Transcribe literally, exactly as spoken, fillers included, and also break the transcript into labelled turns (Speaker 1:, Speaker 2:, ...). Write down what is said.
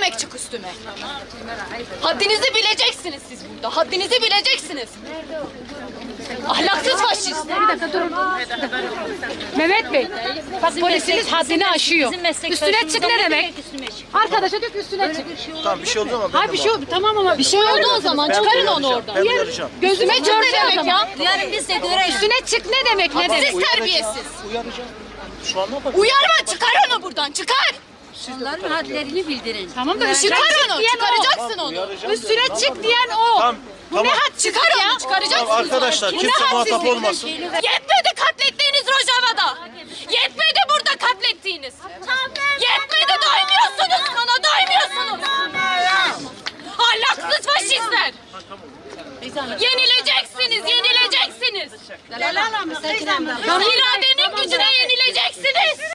Speaker 1: demek çık üstüme? Haddinizi bileceksiniz siz burada. Haddinizi bileceksiniz. Ahlaksız faşist.
Speaker 2: Bir dakika durun. Mehmet Bey, bak polisiniz haddini aşıyor. Üstüne çık ne demek? Arkadaşa diyor ki üstüne çık.
Speaker 3: Tamam bir şey oldu ama ben
Speaker 2: Ha
Speaker 3: de
Speaker 2: bir şey oldu tamam ama bir şey oldu o zaman
Speaker 3: Ben
Speaker 2: çıkarın
Speaker 3: uyaracağım,
Speaker 2: onu oradan.
Speaker 3: ben uyaracağım.
Speaker 2: Gözüme çık ne demek ya?
Speaker 4: Yarın biz de görelim.
Speaker 2: Üstüne çık ne demek ne demek?
Speaker 1: Siz terbiyesiz.
Speaker 3: Uyaracağım. Şu an ne yapalım?
Speaker 1: Uyarma, çıkar onu buradan, çıkar.
Speaker 4: Onların hadlerini bildirin.
Speaker 2: Tamam da
Speaker 1: Çıkar
Speaker 2: üstüne
Speaker 1: onu,
Speaker 2: diyen o.
Speaker 1: çıkaracaksın onu.
Speaker 3: Uyaracağım
Speaker 2: Üstüne
Speaker 3: dedim,
Speaker 2: çık diyen o.
Speaker 3: Tamam,
Speaker 2: Bu ne
Speaker 3: tamam.
Speaker 2: had
Speaker 1: Çıkar onu, çıkaracaksın.
Speaker 3: Tamam, arkadaşlar
Speaker 1: Bu
Speaker 3: kimse
Speaker 1: ne
Speaker 3: muhatap
Speaker 1: hadsizlik?
Speaker 3: olmasın.
Speaker 1: Yetmedi katlettiğiniz Rojava'da. Yetmedi burada katlettiğiniz. Yetmedi, doymuyorsunuz bana, doymuyorsunuz. Ahlaksız faşistler. Yenileceksiniz, yenileceksiniz. İradenin gücüne yenileceksiniz.